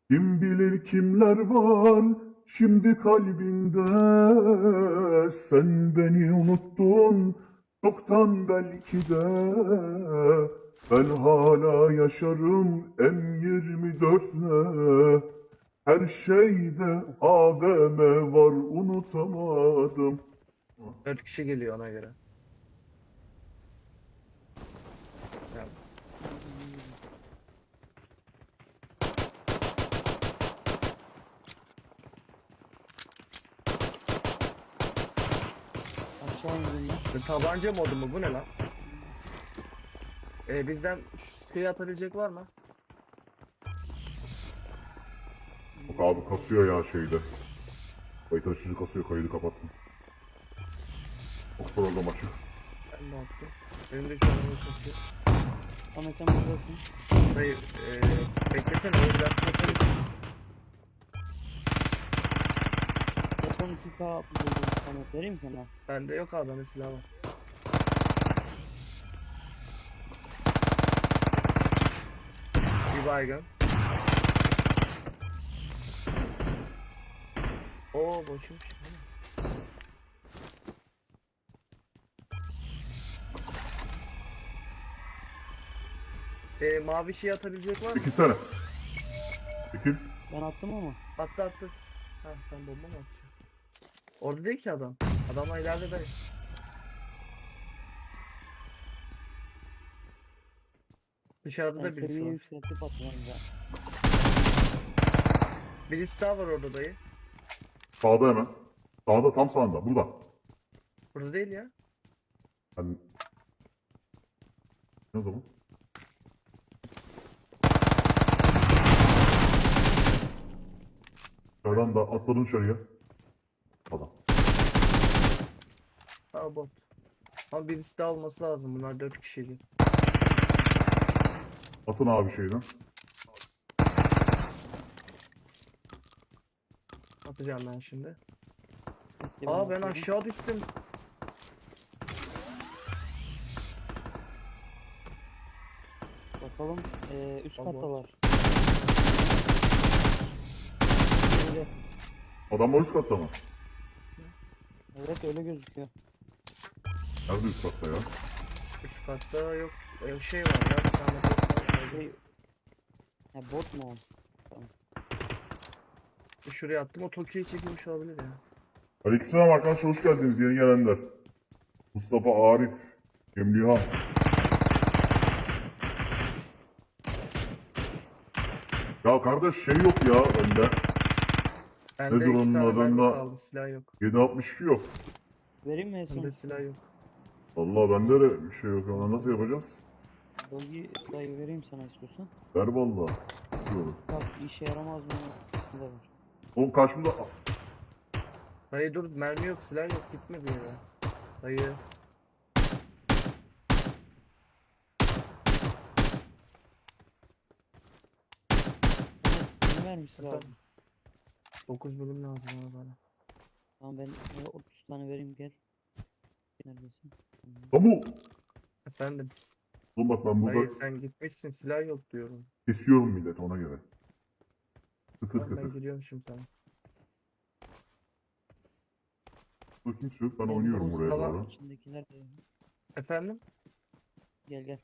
Kim bilir kimler var şimdi kalbinde. Sen beni unuttun çoktan belki de. Ben hala yaşarım M24'le. Her şeyde AVM var unutamadım. 4 kişi geliyor ona göre. Ya, Aşağı indim ben. tabanca modu mu bu ne lan? Bizden suya atabilecek var mı? Bak abi kasıyor ya şeyde. Kayıt açıcı kasıyor, kaydı kapattım. Çok program açık. Ben de attım. Benim de şu an onu kasıyor. Ama sen buradasın. Dayı beklesene o biraz kapalı. Telefon 2K buldum sana. Vereyim sana. Bende yok abi, bende silah var. Bir baygın. Oo boşmuş. Mavi şey atabilecek var mı? Çekilsene. Çekil. Ben attım ama. Attı attı. Ha sen bomba mı atacaksın? Orada değil ki adam. Adamla ileride dayı. Dışarıda Ben da birisi seviyeyi var. yükseltip atacağım ya. Birisi daha var orada dayı. Sağda hemen. Sağda, tam sağında. Burada. Burada değil ya. Hani... Ne o zaman? Dışarıdan da atladın dışarıya. Adam. Ha bot. Ama birisi daha olması lazım. Bunlar 4 kişiydi. Atın abi şeyden. Atacağım ben şimdi. Bekle, Aa ben atıyorum. aşağı düştüm. Bakalım. Üst Tamam. katta var. Öyle. Adamlar üst katta mı? Evet öyle gözüküyor. Nerede üst katta ya? Üst katta yok. Şey var ya. Bir tane bot var. Şey... Ha, bot mu o? Tamam. Şuraya attım. O Tokyo'yu çekilmiş olabilir ya. Aleykümselam arkadaşlar, hoş geldiniz yeni gelenler. Mustafa, Arif, Cemlihan. Ya kardeş şey yok ya önde. Bende Nedir 2 onun tane mermi adında? kaldı. Silah yok. 7.62 yok. Vereyim mi en son? Bende silah yok. Vallahi bende de bir şey yok ama nasıl yapacağız? Dolgi dayı vereyim sana istiyorsan. Ver vallahi. Diyorum. Bak işe yaramaz mı? Ne var? Oğlum karşımda... Dayı dur, mermi yok, silah yok, gitme bir yere. Dayı. Evet, ne vermişsin Efendim? lazım? 9 bölüm lazım ama bana. Tamam ben 30 tane vereyim gel. Neredesin? Tamam. Kamu! Efendim, Oğlum bak ben burada dayı sen gitmişsin, silah yok diyorum. kesiyorum millet ona göre. Kıtır Tamam, ben kıtır. gidiyorum şimdi sana. Burada kimse yok, ben Benim oynuyorum bu buraya Tamam. doğru. İçindekiler de Efendim? gel gel.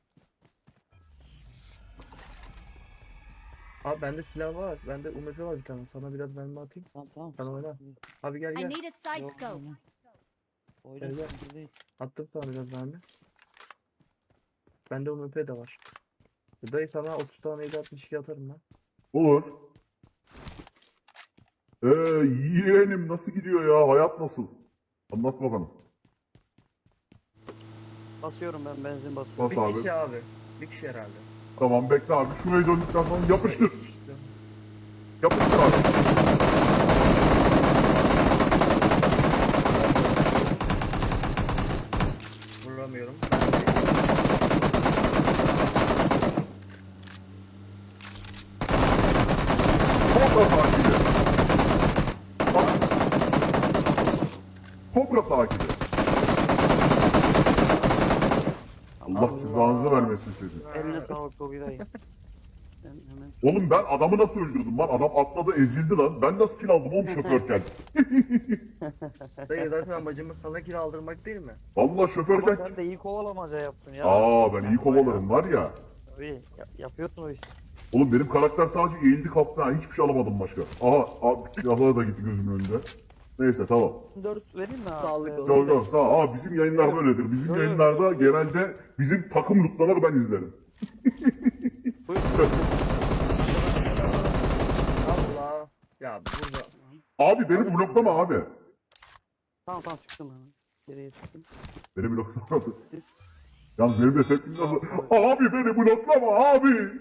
Abi bende silah var, bende UMP var bir tane. Sana biraz mermi atayım. Tamam tamam. Sen oyna. Sıkıntı değil. Abi gel I gel. need a side Yok, scope. oyna. Oyna Gel, gel. sıkıntı değil. Attım sana biraz mermi. Bende UMP de var. Dayı sana 30 tane 7.62 atarım ben. Olur. Yeğenim nasıl gidiyor ya? Hayat nasıl? Anlat bakalım. Basıyorum ben benzin basıyorum. Bas Bir abi. kişi abi. Bir kişi herhalde. Tamam bekle abi. Şurayı döndükten sonra yapıştır. İşte. Yapıştır abi. Vuramıyorum. Kobra takibi. Bak. Kobra takibi. Allah Allah. cezanızı vermesin sizin. Eline sağlık Dolgi dayı. Ben hemen Oğlum ben adamı nasıl öldürdüm lan? Adam atladı ezildi lan. Ben nasıl kill aldım oğlum şoförken? Dayı zaten amacımız sana kill aldırmak değil mi? Vallahi ama şoförken... sen de iyi kovalamaca yaptın ya. Ben iyi kovalarım var ya. Tabii yapıyorsun o işi. Oğlum benim karakter sadece eğildi kalktı ha. Hiçbir şey alamadım başka. Silahlar da gitti gözümün önünde. Neyse tamam. 4 vereyim mi abi? Sağlık olsun. Yok yok sağ ol. Bizim yayınlar böyledir. Bizim Yok, yok. yayınlarda genelde bizim takım lootlanır ben izlerim. Buyur. Allah. Ya burada. Abi beni bloklama abi. Tamam çıktım hemen. Geriye çıktım. Beni bloklama. Siz. Yalnız benim de tepkim nasıl? Abi beni bloklama abi.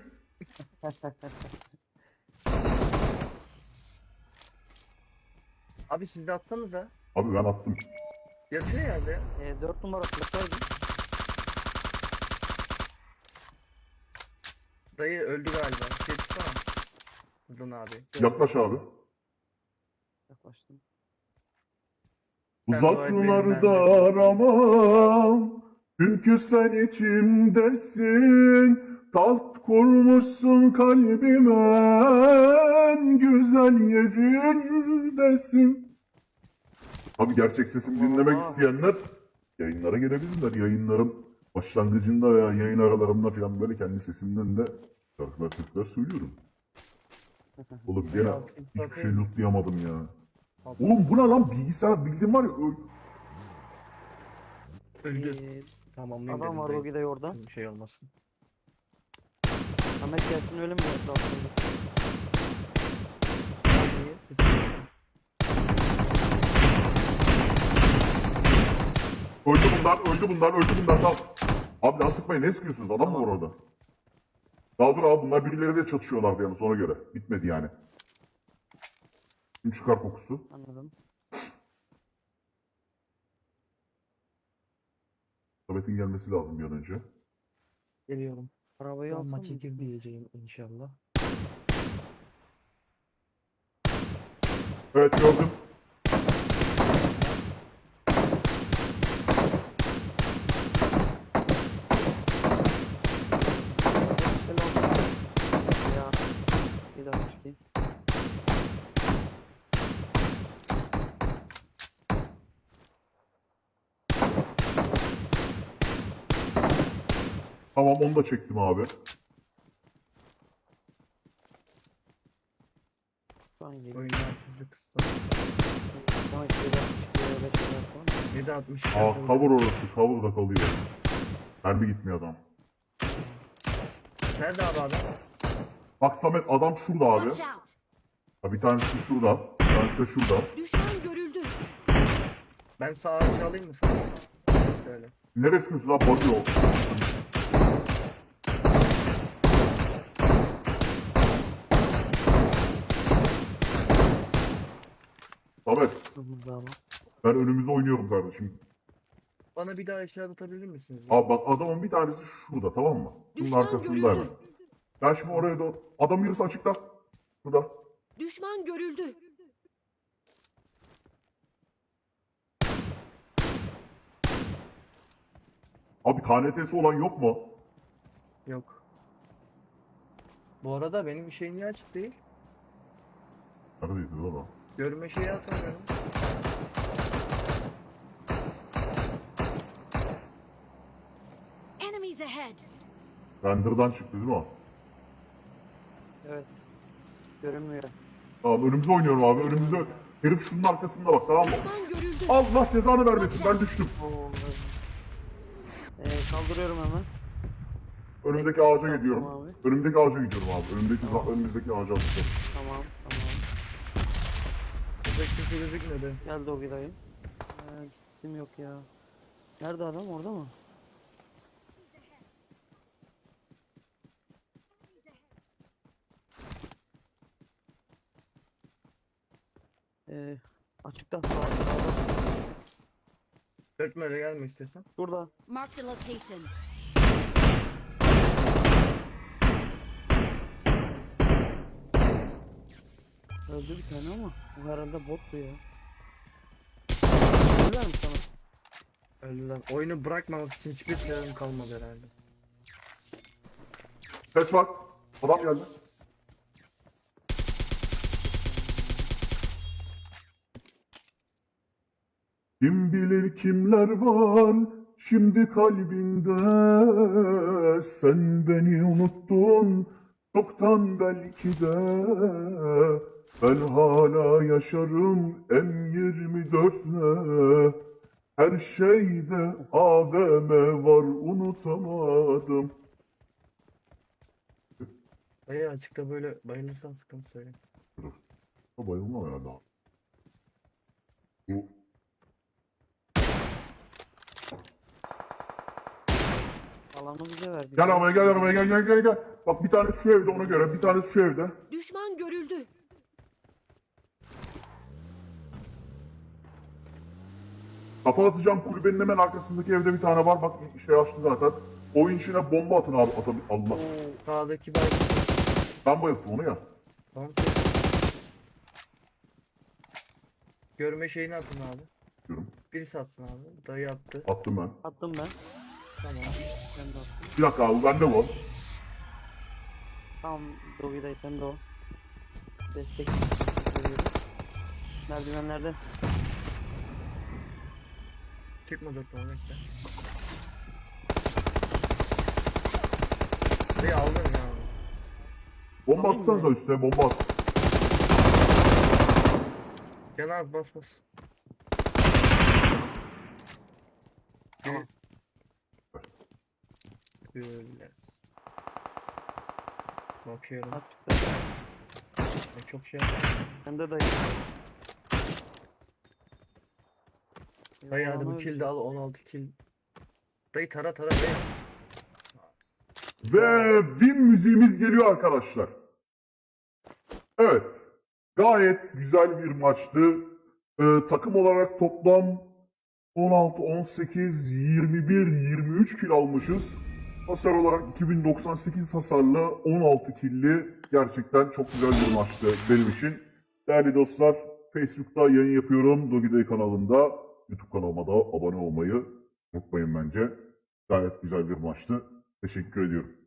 Abi siz de atsanıza. Abi ben attım. Yatıyor yerde ya. 4 numara kılıçtaydı. Dayı öldü galiba. Şey tutsana. Buradan abi. Yaklaş abi. Yaklaştım. Uzaklarda aramam. Çünkü sen içimdesin. Taht kurmuşsun kalbimin güzel yerindesin. Abi gerçek sesimi dinlemek Allah. isteyenler yayınlara gelebilirler. Yayınların başlangıcında veya yayın aralarında falan böyle kendi sesimden de şarkılar türküler söylüyorum. Oğlum gene Ya, hiçbir şey lootlayamadım ya. Oğlum bu ne lan bilgisayar bildiğin var ya Öldü. Ee, Tamamlayayım adam dedim var dayı. o gide orada. Bir şey olmasın. Ahmet gelsin öyle mi yaptı aslında? Dayı sesi. öldü bunlar tamam. Abi lan sıkmayın ne sıkıyorsunuz adam mı var orada? Daha dur abi bunlar birileriyle çatışıyorlardı yani ona göre. Bitmedi yani. Şimdi çıkar kokusu. Anladım. Samet'in gelmesi lazım bir an önce. Geliyorum. Arabayı Ben alsam maçı mı? gir diyeceğim inşallah. Evet gördüm. Selam. Ya. Bir dakika çıkayım. Tamam onu da çektim abi. Şu an geliyor. Oyun haksızlık kısıtlı. Şu an 7.62 falan. 7.60. Cover orası. Cover da kalıyor. Mermi gitmiyor adam. Nerede abi adam? Bak Samet adam şurada abi. Watch out! Ha, bir tanesi şurada. Bir tanesi de şurada. Düşman görüldü. Ben sağ açı alayım mı sana? Şöyle. Neresi kızı lan? Bakıyor. Samet Hızlı ama. ben önümüze oynuyorum kardeşim. Bana bir daha eşya atabilir misiniz? Abi bak adamın bir tanesi şurada tamam mı? Bunun Düşman arkasında görüldü. hemen. Ben şimdi oraya doğru... Adam yarısı açıkta. Şurada. Düşman görüldü. Abi KNT'si olan yok mu? Yok. Bu arada benim şey niye açık değil? Neredeydi lan o? Görme şeyi atamıyorum. Enemies ahead. Render'dan çıktı değil mi o? Evet. Görünmüyor. Tamam önümüze oynuyorum abi. Önümüzde herif şunun arkasında bak tamam mı? Düşman görüldü. Allah cezanı vermesin ben düştüm. Oo, evet. Kaldırıyorum hemen. Önümdeki ağaca gidiyorum. Tamam abi. Önümdeki ağaca gidiyorum abi. Önümüzdeki ağaca atacağım. Tamam. Burada kimse gözükmedi. Geldi o gidayım. Sim yok ya. Nerede adam? Orada mı? Açıkta. Sağda. Dörtme öyle gelme istiyorsan. Şurada. Marked a location. Öldü bir tane ama. Bu herhalde bottu ya. Öldüler mi sana? Öldüler. Oyunu bırakmamak için hiçbir sebebim kalmadı herhalde. Ses var. Adam geldi. Kim bilir kimler var şimdi kalbinde. Sen beni unuttun çoktan belki de. Ben hala yaşarım M24'le. Her şeyde AVM var unutamadım. Dayı açıkta böyle bayılırsan sıkıntı söyle. Bayılma ya daha. Bu Alanı bize verdi. gel arabaya gel arabaya gel gel gel gel. Bak bir tanesi şu evde ona göre bir tanesi şu evde. Düşman görüldü. Kafa atacağım kulübenin hemen arkasındaki evde bir tane var. Bak şey açtı zaten. Oyun içine bomba atın abi. Allah. Sağdaki baygın. Ben bayılttım onu ya. Tamam. Görme şeyini atın abi. Diyorum. Birisi atsın abi. Dayı attı. Attım ben. Attım ben. Tamam. Ben de attım. Bir dakika abi bende bu. Tamam Dogi dayı sen de o. Destek veriyorum. Merdivenlerde. Çıkma 4 numara bekle. Dayı aldın ya abi. Bomba Alayım atsanıza mı? üstüne bomba at. Gel abi bas bas. Tamam. Güles. Bakıyorum. Açıkta. Çok şey yaptım. Sen de dayı. Dayı hadi bu kill de al 16 kill. Dayı tara tara dayı. Ve win müziğimiz geliyor arkadaşlar. Evet. Gayet güzel bir maçtı. Takım olarak toplam 16, 18, 21, 23 kill almışız. Hasar olarak 2098 hasarlı 16 killi gerçekten çok güzel bir maçtı benim için. Değerli dostlar, Facebook'ta yayın yapıyorum. Dogiday kanalında. YouTube kanalıma da abone olmayı unutmayın bence. Gayet güzel bir maçtı. Teşekkür ediyorum.